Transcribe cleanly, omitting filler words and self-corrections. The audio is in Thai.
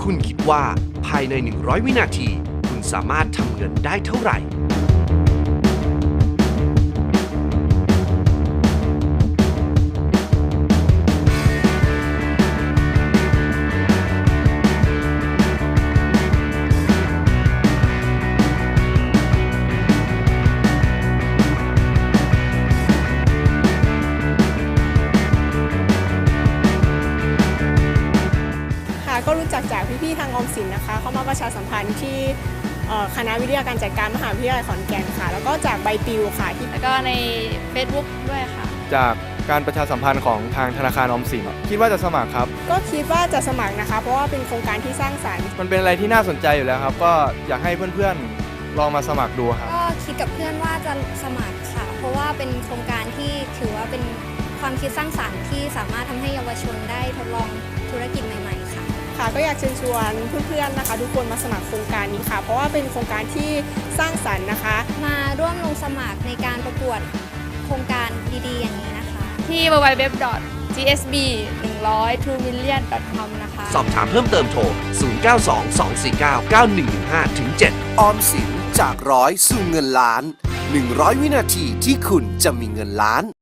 คุณคิดว่าภายใน 100 วินาที คุณสามารถทำเงินได้เท่าไหร่ก็รู้จักจากพี่ๆทางออมสินนะคะเข้ามาประชาสัมพันธ์ที่คณะวิทยาการจัดการมหาวิทยาลัยขอนแก่นค่ะแล้วก็จากใบปลิวค่ะแล้วก็ใน Facebook ด้วยค่ะจากการประชาสัมพันธ์ของทางธนาคารออมสินคิดว่าจะสมัครครับก็คิดว่าจะสมัครนะคะเพราะว่าเป็นโครงการที่สร้างสรรค์มันเป็นอะไรที่น่าสนใจอยู่แล้วครับก็อยากให้เพื่อนๆลองมาสมัครดูครับก็คิดกับเพื่อนว่าจะสมัครค่ะเพราะว่าเป็นโครงการที่ถือว่าเป็นความคิดสร้างสรรค์ที่สามารถทำให้เยาวชนได้ทดลองธุรกิจใหม่ๆค่ะก็อยากเชิญชวนเพื่อนๆนะคะทุกคนมาสมัครโครงการนี้ค่ะเพราะว่าเป็นโครงการที่สร้างสรรค์นะคะมาร่วมลงสมัครในการประกวดโครงการดีๆอย่างนี้นะคะที่ www.gsb1002million.com นะคะสอบถามเพิ่มเติมโทร 0922499115-7 ออมสินจาก100สู่เงินล้าน 100 วินาทีที่คุณจะมีเงินล้าน